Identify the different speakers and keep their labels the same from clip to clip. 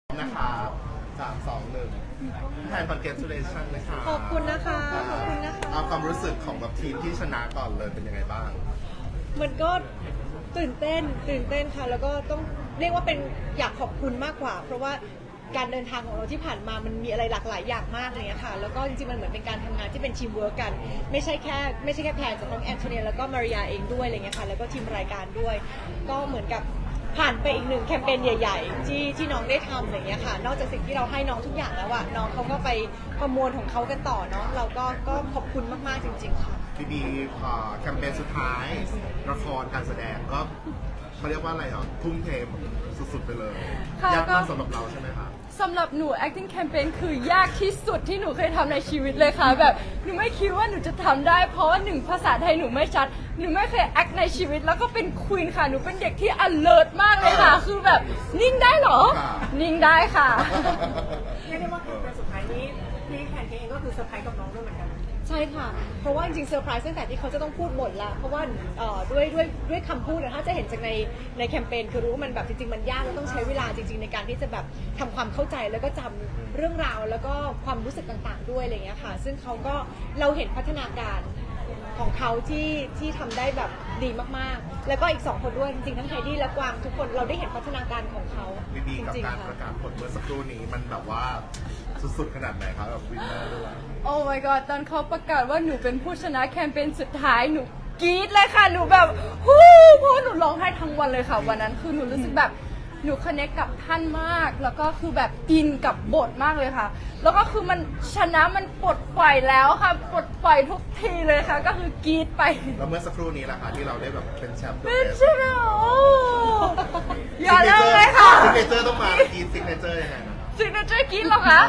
Speaker 1: นะครับ3 2 1แทน congratulation นะคะ
Speaker 2: ขอบคุณนะคะ ขอบคุณนะคะ
Speaker 1: เอาความรู้สึกของแบบทีมที่ชนะก่อนเลยเป็นยังไงบ้าง
Speaker 2: มันก็ตื่นเต้นค่ะ แล้วก็ต้องเรียกว่าเป็นอยากขอบคุณมากกว่า เพราะว่าการเดินทางของเราที่ผ่านมามันมีอะไรหลากหลายอย่างมากเลยค่ะ แล้วก็จริงๆมันเหมือนเป็นการทำงานที่เป็นทีมเวิร์กกัน ไม่ใช่แค่แพนแต่ทั้งแอนโทเนียแล้วก็มาริยาเองด้วยอะไรเงี้ยค่ะ แล้วก็ทีมรายการด้วย ก็เหมือนกับผ่านไปอีกหนึ่งแคมเปญใหญ่ๆที่น้องได้ทำอะไรเงี้ยค่ะ นอกจากสิ่งที่เราให้น้องทุกอย่างแล้วอะน้องเขาก็ไปประมวลของเขากันต่อเนาะ เราก็ขอบคุณมากๆจริงๆค่ะ
Speaker 1: พี่บีแคมเปญสุดท้ายละครการแสดงก็เขาเรียกว่าอะไรอ่ะทุ่มเทสุดๆไปเลย
Speaker 3: ค่ะ
Speaker 1: ยาก
Speaker 3: ก็
Speaker 1: มากสำหรับเราใช่ไหมคะ
Speaker 3: สำหรับหนู acting campaign คือยากที่สุดที่หนูเคยทำในชีวิตเลยค่ะแบบหนูไม่คิดว่าหนูจะทำได้เพราะว่าหนึ่งภาษาไทยหนูไม่ชัดหนูไม่เคย act ในชีวิตแล้วก็เป็นควีนค่ะหนูเป็นเด็กที่ alert มากเลยค่ะ คือแบบนิ่งได้เหรอ
Speaker 1: ค่ะ
Speaker 3: นิ่งได้ค่ะ
Speaker 4: เรียกได้ว่าเป็นสุดท้ายนี้พี่แพนเค้กเองก็คือเซอร์ไพรส์กับน้องด้วยเหมือนกัน
Speaker 2: ใช่ค่ะ เพราะว่าจริงๆเซอร์ไพรส์ตั้งแต่ที่เขาจะต้องพูดบทละเพราะว่าด้วยคำพูดนะถ้าจะเห็นจากในแคมเปญคือรู้ว่ามันแบบจริงๆมันยากแล้วต้องใช้เวลาจริงๆในการที่จะแบบทำความเข้าใจแล้วก็จำเรื่องราวแล้วก็ความรู้สึกต่างๆด้วยอะไรอย่างเงี้ยค่ะ ซึ่งเขาก็เราเห็นพัฒนาการของเขาที่ทำได้แบบดีมากๆ แล้วก็อีก2 คนด้วยจริงๆทั้งไฮดี้และกวางทุกคนเราได้เห็นพัฒนาการของเขา
Speaker 1: พี่บี
Speaker 2: จ
Speaker 1: กับ
Speaker 2: ริง
Speaker 1: การ
Speaker 2: ๆ
Speaker 1: ประ
Speaker 2: ค่ะ
Speaker 1: กาศผลเมื่อสักครู่นี้มันแบบว่าสุดๆขนาดไหนคะแบบวินเนอร์ด้วย
Speaker 3: โอ้ my god ตอนเขาประกาศว่าหนูเป็นผู้ชนะแคมเปญสุดท้ายหนูกรี๊ดเลยค่ะหนูแบบฮู้เพราะว่าหนูร้องไห้ทั้งวันเลยค่ะวันนั้นคือหนูรู้สึกแบบหนูคอนเนคกับท่านมากแล้วก็คือแบบอินกับบทมากเลยค่ะ แล้วก็คือมันชนะมันปลดปล่อยแล้วค่ะปลดปล่อยทุกทีเลยค่ะ ก็คือกรี๊ดไป
Speaker 1: แล้วเมื่อสักครู่นี้แหละค่ะที่เราได้แบบเป็นแชมป์
Speaker 3: เป็นใช่ไหมโอ้อย่าเลิกเลยค่ะ
Speaker 1: ซิกเนเจอร์ต้องมากีซิกเนเจอร์ยังไงนะ
Speaker 3: ซิกเนเจอร์กรี๊ดเหรอคะ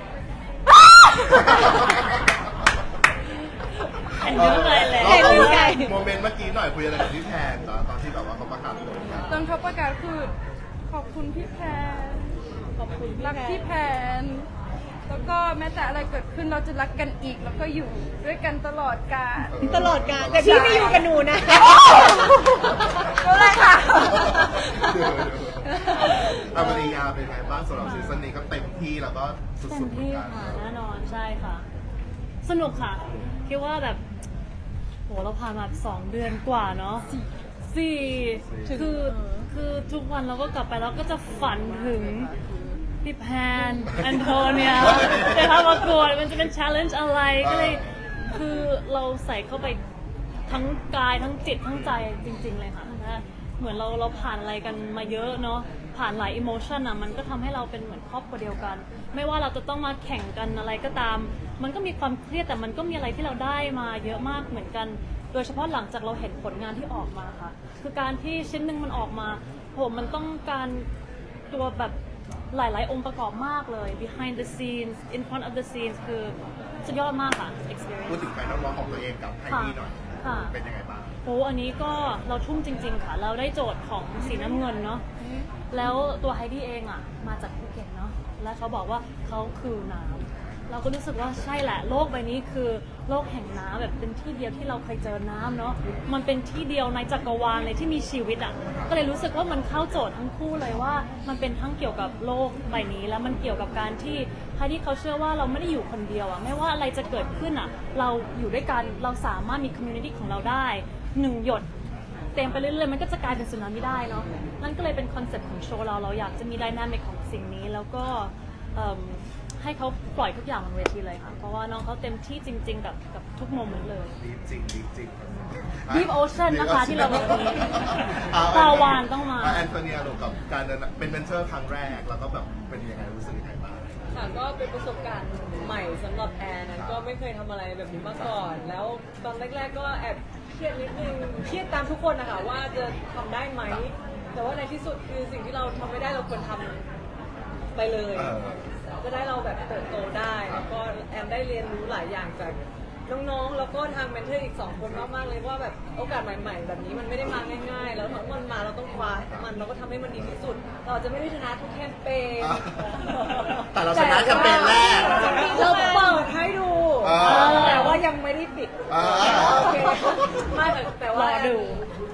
Speaker 1: เห็น
Speaker 2: เยอะเลยแหละ
Speaker 1: เห็น
Speaker 2: เห็นไง
Speaker 1: โมเมนต์เมื่อกี้หน่อยคุยอะไรกับพี่แทนตอนที่แบบว่าเขาประกาศผลกัน
Speaker 3: ตอนเขาประกาศคือขอบคุณพี่แพน
Speaker 2: ขอบคุณพี่
Speaker 3: รัก
Speaker 2: แพ
Speaker 3: พี่
Speaker 2: น
Speaker 3: แพน แล้วก็แม้แต่อะไรเกิดขึ้นเราจะรักกันอีก แล้วก็อยู่ด้วยกันตลอดกาล
Speaker 2: ตลอดการแต่พี่ไม่อยู่กับหนูนะ
Speaker 3: ก็เลยค่ะ
Speaker 1: อเมริกาเป็นไงบ้างสำหรับซีซั่นนี้ก็เต็มที่แล้วก็สุ
Speaker 5: เต็
Speaker 1: ด
Speaker 5: ม
Speaker 1: ๆเหมือน
Speaker 5: ที่
Speaker 1: กัน
Speaker 5: ค่ะแน่นอนใช่ค่ะ สนุกค่ะคิดว่าแบบโหเราผ่านมา2 เดือนกว่าเนาะสี่คือทุกวันเราก็กลับไปแล้วก็จะฝันถึงพี่แพนแอนโทเนียแต่ถ้าประกวดมันจะเป็น challenge อะไรก็เลยคือเราใส่เข้าไปทั้งกายทั้งจิตทั้งใจจริง ๆ เลยค่ะนะเหมือนเราผ่านอะไรกันมาเยอะเนาะผ่านหลายอิโมชันอ่ะมันก็ทำให้เราเป็นเหมือนครอบครัวเดียวกัน ไม่ว่าเราจะต้องมาแข่งกันอะไรก็ตาม มันก็มีความเครียดแต่มันก็มีอะไรที่เราได้มาเยอะมากเหมือนกัน โดยเฉพาะหลังจากเราเห็นผลงานที่ออกมาค่ะ คือการที่ชิ้นหนึ่งมันออกมาโหมันต้องการตัวแบบหลาย ๆ องค์ประกอบมากเลย behind the scenes in front of the scenes คือสุดยอดมากค่ะ experience
Speaker 1: พูดถึงแฟนน้องๆของตัวเองกับไฮดี้หน่อย
Speaker 5: ค่ะ
Speaker 1: เป็นยังไงบ้าง
Speaker 5: โอ้อันนี้ก็เราทุ่มจริง ๆ ค่ะ เราได้โจทย์ของสีน้ำเงินเนาะ แล้วตัวไฮดี้เองอ่ะมาจากภูเก็ตเนาะ และเขาบอกว่าเขาคือน้ำ เราก็รู้สึกว่าใช่แหละโลกใบนี้คือโลกแห่งน้ำแบบเป็นที่เดียวที่เราเคยเจอน้ำเนาะ มันเป็นที่เดียวในจักรวาลเลยที่มีชีวิตอ่ะ ก็เลยรู้สึกว่ามันเข้าโจทย์ทั้งคู่เลยว่ามันเป็นทั้งเกี่ยวกับโลกใบนี้ แล้วมันเกี่ยวกับการที่ไฮดี้เขาเชื่อว่าเราไม่ได้อยู่คนเดียวอ่ะ ไม่ว่าอะไรจะเกิดขึ้นอ่ะ เราอยู่ด้วยกัน เราสามารถมีคอมมูนิตี้ของเราได้1 หยด เต็มไปเรื่อยๆมันก็จะกลายเป็นสึนามิได้เนาะ นั่นก็เลยเป็นคอนเซ็ปต์ของโชว์เราอยากจะมีไดนามิกของสิ่งนี้ แล้วก็ให้เขาปล่อยทุกอย่างบนเวทีเลยค่ะ เพราะว่าน้องเขาเต็มที่จริง ๆ กับทุกโมเมนต์เลย
Speaker 1: ดีจริงดีจริง
Speaker 5: Deep Ocean นะคะที่เราบอกนี้ปลาวาฬต้องมา
Speaker 1: แอนโทเนียลูกกับการเดินเป็นเมนเทอร์ครั้งแรกแล้วก็แบบเป็นยังไงรู้สึกยังไงบ้าง
Speaker 6: ค่ะก็เป็นประสบการณ์ใหม่สำหรับแอนนะก็ไม่เคยทำอะไรแบบนี้มาก่อน แล้วตอนแรกๆก็แอบเครียดนิดนึงเครียดตามทุกคนนะคะว่าจะทำได้ไหม แต่ว่าในที่สุดคือสิ่งที่เราทำไม่ได้เราควรทำไปเลย จะได้เราแบบเติบโตได้แล้วก็แอนได้เรียนรู้หลายอย่างจากน้องๆแล้วก็ทางเมนเทอร์อีก2 คนมากๆเลยว่าแบบโอกาสใหม่ ๆ แบบนี้มันไม่ได้มาง่ายๆ แล้วทั้งมันมาเราต้องคว้ามันเราก็ทำให้มันดีที่สุด เราอาจจะไม่ได้ชนะทุกแคมเปญ
Speaker 1: แต่เราชนะแคมเปญแรก
Speaker 6: เราเปิดให้ดู แต่ว่ายังไม่ได้ปิด
Speaker 1: อ่า
Speaker 6: โอเคไม่แต่ว่าร
Speaker 5: อดู
Speaker 6: ดี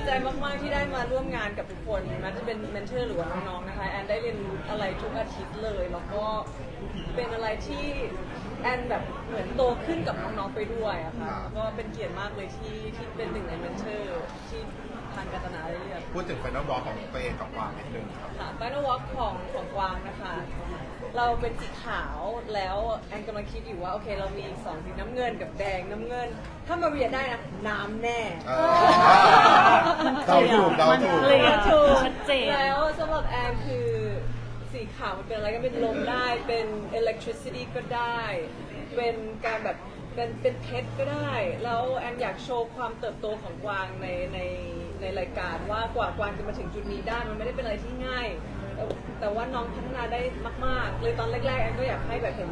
Speaker 6: ใจมากๆที่ได้มาร่วมงานกับทุกคนแม้จะเป็นเมนเทอร์หรือว่าน้องๆนะคะแอนได้เรียนรู้อะไรทุกอาทิตย์เลยแล้วก็เป็นอะไรที่แอนแบบเหมือนโตขึ้นกับน้องๆไปด้วยอะค่ะก็เป็นเกียรติมากเลยที่เป็นหนึ่งในเมนเทอร์ที่ทางการตนาได้เลือก
Speaker 1: พูดถึงไฟนอลบอลของตัวเองกับกวางนิดนึงครับ
Speaker 6: ค่ะ Final Walk ของกวางนะคะ เราเป็นสีขาวแล้วแอนกำลังคิดอยู่ว่าโอเคเรามีอีก2สีน้ำเงินกับแดงน้ำเงิน ถ้ามาเรียนได้นะน้ำแน่
Speaker 1: เดาถูกเดาถูก
Speaker 5: เคลียร์ชัดเจน
Speaker 6: แล้วสำหรับแอนคือสีขาวมันเป็นอะไรก็เป็นลมได้เป็น electricity ก็ได้ เป็นการแบบเป็นเพชรก็ได้ แล้วแอนอยากโชว์ความเติบโตของกวางในรายการว่ากว่ากวางจะมาถึงจุดนี้ได้มันไม่ได้เป็นอะไรที่ง่าย แต่ว่าน้องพัฒนาได้มากๆเลยตอนแรกๆแอนก็อยากให้แบบเห็น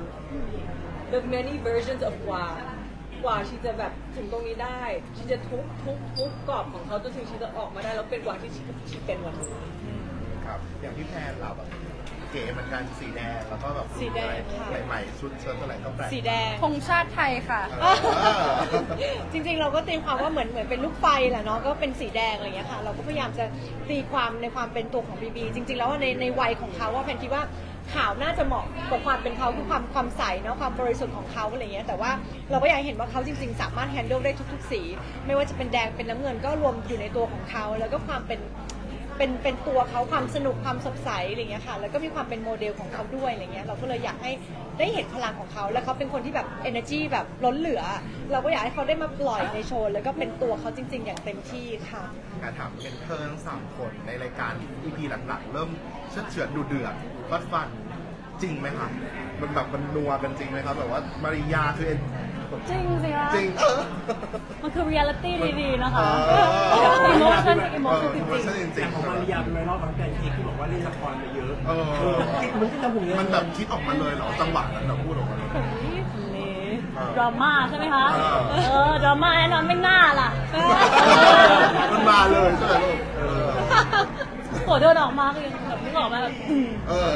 Speaker 6: the many versions of กว่าชีจะแบบถึงตรงนี้ได้ชีจะทุกกรอบของเขาจนถึงชีจะออกมาได้แล้วเป็นกว่าที่ชีเป็นวันนี้
Speaker 1: ครับอย่างที่แพนเราแบบเก๋เหมือนกันสีแดงแล้วก็แบบ
Speaker 2: สีแดงค่ะ
Speaker 1: ใหม่ๆชุดเชิ้ตอะไรก็แปลก
Speaker 2: สีแดง
Speaker 3: ธงชาติไทยค่ะ
Speaker 1: เออ
Speaker 2: จริงๆเราก็ตีความว่าเหมือนเป็นลูกไฟแหละเนาะก็เป็นสีแดงอะไรอย่างเงี้ยค่ะเราก็พยายามจะตีความในความเป็นตัวของบีบีจริงๆแล้วว่าในวัยของเขาว่าแพนคิดว่าขาวน่าจะเหมาะกับความเป็นเขาคือความใสเนาะความบริสุทธิ์ของเขาอะไรเงี้ยแต่ว่าเราก็อยากให้เห็นว่าเขาจริงๆสามารถแฮนด์ลได้ทุกๆสี ไม่ว่าจะเป็นแดงเป็นน้ำเงินก็รวมอยู่ในตัวของเขาแล้วก็ความเป็นตัวเขาความสนุกความสดใสอะไรเงี้ยค่ะแล้วก็มีความเป็นโมเดลของเขาด้วยอะไรเงี้ยเราก็เลยอยากให้ได้เห็นพลังของเขาแล้วเขาเป็นคนที่แบบ energy แบบล้นเหลือ เราก็อยากให้เขาได้มาปล่อยในโชว์แล้วก็เป็นตัวเขาจริง ๆ อย่างเต็มที่ค่ะ
Speaker 1: การถามเป็นเพิ่ง3 คนในรายการ EP หลักๆ เริ่มเชือดดูเดือดฟัดฟันจริงไหมครับมันแบบมันนัวกันจริงไหมครับแบบว่ามาริยาคือ
Speaker 5: จริงสิคะ
Speaker 1: จริง
Speaker 5: มันคือ reality ดีๆนะคะ
Speaker 1: เออ
Speaker 5: emotion คือ emotion จริง
Speaker 1: emotion จริ
Speaker 7: แต่
Speaker 1: ง
Speaker 7: ของมาริยาเป็นไวรัลบางแฟนคลิปที่บอกว่าเล่นละครมาเยอะ
Speaker 1: เออ
Speaker 7: มันก็จะหุ่น
Speaker 1: มันแบบคิดออกมาเลยเหรอจังหวะนั้นเราพูดออกมาเลย
Speaker 5: ๆดราม่าใช่ไหมคะ
Speaker 1: เออ
Speaker 5: ดราม่าแน่นอนไม่น่าล่ะ
Speaker 1: มันมาเลยใช่ไหมลูกเออ
Speaker 5: โหเดินออกมาก็ยังแบบนึกออกมาแบบ
Speaker 1: เออ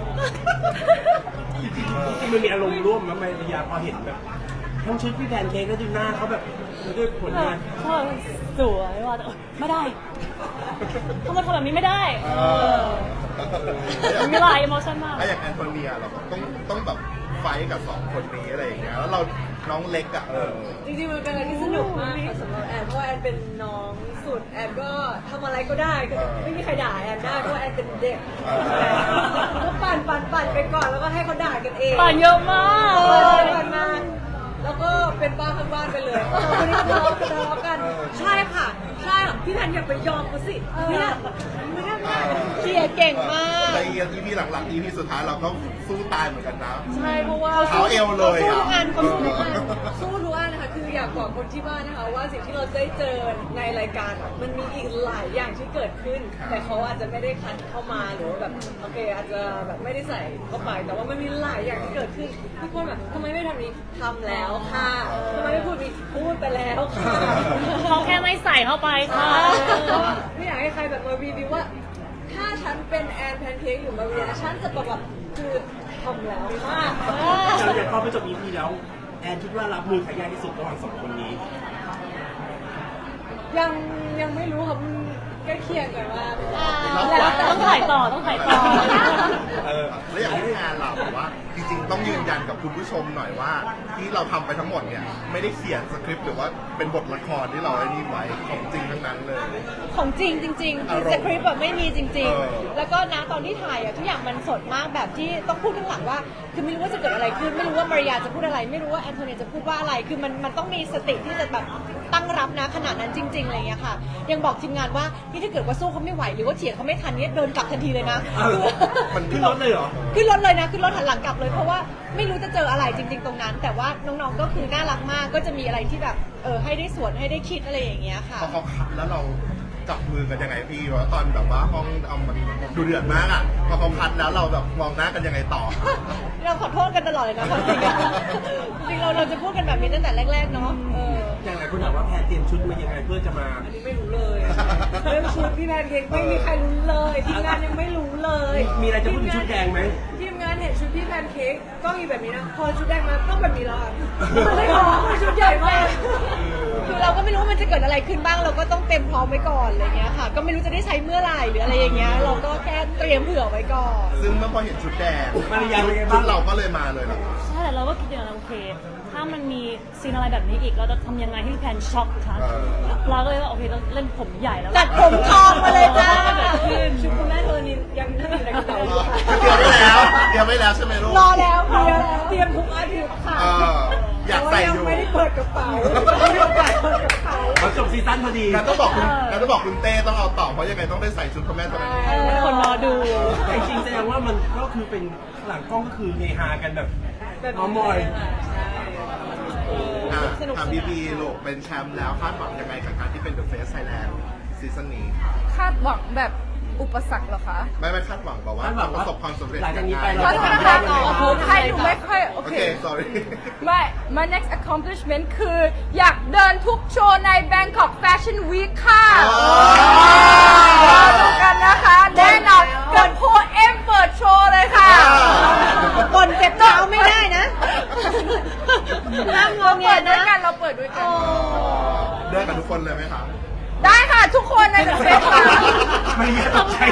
Speaker 7: จริงๆมันมีอารมณ์ร่วมนะมาริยาพอเห็นแบบทั้งชุดพี่แพนเค้กแล้วดูหน้าเขาแบบด้วยผลงาน
Speaker 5: ชอบสวยว่าแต่ไม่ได้ทำไมทำแบบนี้ไม่ได้ มีหลาย emotion มาก
Speaker 1: แล้วอย่างแอนโทเนียเราต้องแบบไฟท์กับ2 คนนี้อะไรอย่างเงี้ยแล้วเราน้องเล็กอ่ะ
Speaker 6: จริงๆมันเป็นอะไรที่สนุกมากค่ะสำหรับแอนเพราะว่าแอนเป็นน้องสุดแอนก็ทำอะไรก็ได้ก็ไม่มีใครด่าแอนได้เพราะว่าแอนเป็นเด็กก็ปั่นไปก่อนแล้วก็ให้เขาด่ากันเอง
Speaker 5: ต่อเยอะมาก
Speaker 6: ปั่นมาแล้วก็เป็นบ้าข้างบ้านไปเลยวันนี้ทะเลาะกันใช่ค่ะใช่ค่ะพี่แพนอย่าไปยอมเขาสิเนี่ยไม่ได้
Speaker 2: เคลียร์เก่งมาก
Speaker 1: ใน EP หลังๆ EP สุดท้ายเราก็สู้ตายเหมือนกันนะ
Speaker 6: ใช่เพราะว่า
Speaker 1: เท้าเอวเลย
Speaker 2: สู้
Speaker 1: อ่ะ
Speaker 2: ทุกอันเขาสู้ทุกอัน
Speaker 6: สู้ทุกอันนะคะคืออยากบอกคนที่บ้านนะคะว่าสิ่งที่เราได้เจอในรายการอะมันมีอีกหลายอย่างที่เกิดขึ้น แต่เขาอาจจะไม่ได้คัดเข้ามาหรือว่าแบบโอเคอาจจะแบบไม่ได้ใส่เข้าไป แต่ว่ามันมีหลายอย่างที่เกิดขึ้นทุกคนแบบทำไมไม่ทำนี้ทำแล้วค่ะทำไมไม่พูดนี้พูดไปแล้วค่ะ
Speaker 5: เขาแค่ไม่ใส่เข้าไปค่ะ
Speaker 6: ไม่อยากให้ใครแบบมารีวิวว่า ถ้าฉันเป็นแอนแพนเค้กอยู่มาเรียนฉันจะแบบคือทำแล้วค่ะ
Speaker 7: เราอยากพอไปจบ EP แล้วแอนคิดว่ารับมือใครยากที่สุดระหว่าง2 คนนี้
Speaker 6: ยังไม่รู้ครับใกล้เคียงกันมาก
Speaker 2: แล้วแต่
Speaker 5: ต้องถ่ายต่อต้องถ่ายต่อ
Speaker 1: แล้วอย่างที่แอนเราบอกว่าจริงๆต้องยืนยันกับคุณผู้ชมหน่อยว่า ที่เราทำไปทั้งหมดเนี่ยไม่ได้เขียนสคริปต์หรือว่าเป็นบทละครที่เราไอ้นี่ไว้ของจริงทั้งนั้นเลย
Speaker 2: ของจริงจริงๆคือสคริปต์แบบไม่มีจริง
Speaker 1: เออ
Speaker 2: ๆ แล้วก็นะตอนที่ถ่ายอะทุกอย่างมันสดมากแบบที่ต้องพูดข้างหลังว่า คือไม่รู้ว่าจะเกิดอะไรขึ้น ไม่รู้ว่ามาริยาจะพูดอะไร ไม่รู้ว่าแอนโทเนียจะพูดว่าอะไร คือมันต้องมีสติที่จะแบบตั้งรับนะขนาดนั้นจริงๆอะไรอย่างเงี้ยค่ะ ยังบอกทีมงานว่านี่ถ้าเกิดว่าสู้เขาไม่ไหวหรือว่าเถียงเขาไม่ทันเนี่ยเดินกลับทันทีเลยนะ
Speaker 7: มันขึ้นรถเลยเหรอ
Speaker 2: ขึ้นรถเลยนะขึ้นรถหันหลังกลับเลยเพราะว่าไม่รู้จะเจออะไรจริง ๆ ตรงนั้น แต่ว่าน้องๆก็คือน่ารักมากก็จะมีอะไรที่แบบให้ได้สวนให้ได้คิดอะไรอย่างเงี้ยค่ะ
Speaker 1: พอเขาคัดแล้วเราจับมือกันยังไงพี่ว่าตอนแบบว่าห้องเอามันดูเดือดมากอ่ะพอเขาคัดแล้วเราแบบมองหน้ากันยังไงต่อ
Speaker 2: เราขอโทษกันตลอดเลยนะความจริงอะจริงๆเราจะพูดกันแบบนี้ตั้งแต่แรกๆเนาะ
Speaker 7: อย่างไรคุณถามว่าแพนเตรียมชุดมายังไงเพื่อจะมา
Speaker 6: อันนี้ไม่รู้เลยเรื่องชุดพี่แพนเค้กไม่มีใครรู้เลยทีมงานยังไม่รู้เลย
Speaker 7: มีอะไรจะพูดถึงชุดแดงไหม
Speaker 6: ทีมงานเห็นชุดพี่แพพนเค้กก็มีแบบนี้นะ พอชุดแดงมาต้องแบบนี้แล้วอ่ะมันไม่พอชุดใหญ่มาก
Speaker 2: คือเราก็ไม่รู้ว่ามันจะเกิดอะไรขึ้นบ้างเราก็ต้องเต็มพร้อมไว้ก่อนอะไรเงี้ยค่ะ ก็ไม่รู้จะได้ใช้เมื่อไหร่หรืออะไรอย่างเงี้ยเราก็แค่เตรียมเผื่อไว้ก่อน
Speaker 1: ซึ่งเมื่อพอเห็นชุดแดง
Speaker 7: มาริยาเป็นไง
Speaker 1: ชุ
Speaker 7: บ้า
Speaker 1: ด
Speaker 7: ง
Speaker 1: เราก็เลยมาเลยเหรอ
Speaker 5: ใช่แต่เราก็คิดอย่างนั้นโอเค ถ้ามันมีซีนอะไรแบบนี้อีกเราจะทำยังไงให้พี่แพนช็อกคะเราก็เลยว่าโอเคเราเล่นผมใหญ่แล้ว
Speaker 2: จัดผมทองมาเลยจ้า
Speaker 5: เกิดขึ้น
Speaker 6: ชุดคุณแม่เธอนี่ยังนั่งอยู่ในกระเป๋าอยู่ค่ะ
Speaker 1: เตรียมไว้แล้วใช่ไหมลูก
Speaker 2: รอแล้วค่ะรอแล้ว
Speaker 6: เตรียมทุกอาทิตย์ค่ะ
Speaker 1: เอออยากใส่
Speaker 6: แต่
Speaker 1: อ
Speaker 6: ว่า
Speaker 1: ยู่
Speaker 6: งไม่ได้เปิดกระเป๋าไม่ได้เปิดกระเป๋า
Speaker 7: เขาจบซีซั่นพอดี
Speaker 1: แล้วต้องบอกคุณเต้ต้องเอาต่อเพราะยังไงต้องได้ใส่ชุดพ่อแม่ตัวนี้
Speaker 5: คนรอดู
Speaker 7: แต่จริงๆแสดงว่ามันก็คือเป็นหลังกล้องก็คือเฮฮากันแบบเมามอย
Speaker 1: ถามบีลูกเป็นแชมป์แล้วคาดหวังยังไงกับการที่เป็น The Face Thailand ซีซั่นนี้
Speaker 3: คาดหวังแบบอุปสรรคเหรอคะ
Speaker 1: ไม่คาดหวังแบบว่าประสบความสำเร็จ
Speaker 7: หลังจากนี้ไป
Speaker 3: ขอโทษนะคะให้หนูไม่ค่อยโอ
Speaker 1: โอ
Speaker 3: เค
Speaker 1: เค sorry
Speaker 3: ไม่ my next accomplishment คืออยากเดินทุกโชว์ใน Bangkok Fashion Week ค่ะ
Speaker 1: อ๋อ
Speaker 3: รอดูกันนะคะ แน่นอนกับโพเอ็มเปิดโชว์เลยค่ะ
Speaker 2: ก่อนเจ็บเท้าไม่ได้นะห้ามงอ
Speaker 3: เรา
Speaker 2: แง
Speaker 3: เปิดด้ว
Speaker 2: นะ
Speaker 3: ยกันเราเปิดด้วยกัน
Speaker 1: เดินกับทุกคนเลยไหมคะ
Speaker 3: ได้ค่ะทุกคนใน The Face ค่ะ
Speaker 7: มาริยาตกใจ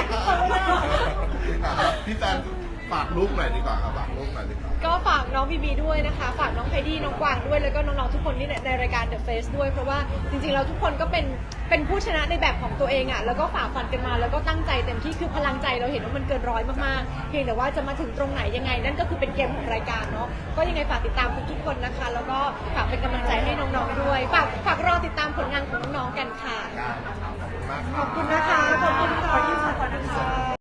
Speaker 1: พี่แฟนฝากลูกหน่อยดีกว่าครับฝากลูกหน่อยดีกว่า
Speaker 2: ก็ฝากน้องบีบีด้วยนะคะ ฝากน้องไพดี้น้องกวางด้วย แล้วก็น้องๆทุกคนที่ในรายการ The Face ด้วย เพราะว่าจริงๆเราทุกคนก็เป็นผู้ชนะในแบบของตัวเองอ่ะ แล้วก็ฝ่าฟันกันมา แล้วก็ตั้งใจเต็มที่คือพลังใจเราเห็นว่ามันเกินร้อยมากๆ เพียงแต่ว่าจะมาถึงตรงไหนยังไง นั่นก็คือเป็นเกมของรายการเนาะ ก็ยังไงฝากติดตามทุกๆคนนะคะ แล้วก็ฝากเป็นกำลังใจให้น้องๆด้วย ฝากรอติดตามผลงานของน้องๆกันค่ะ
Speaker 1: ได้ครับขอบคุณมากค
Speaker 2: ข
Speaker 1: รั
Speaker 2: อบคุณนะคะ ขอบคุณค่ะ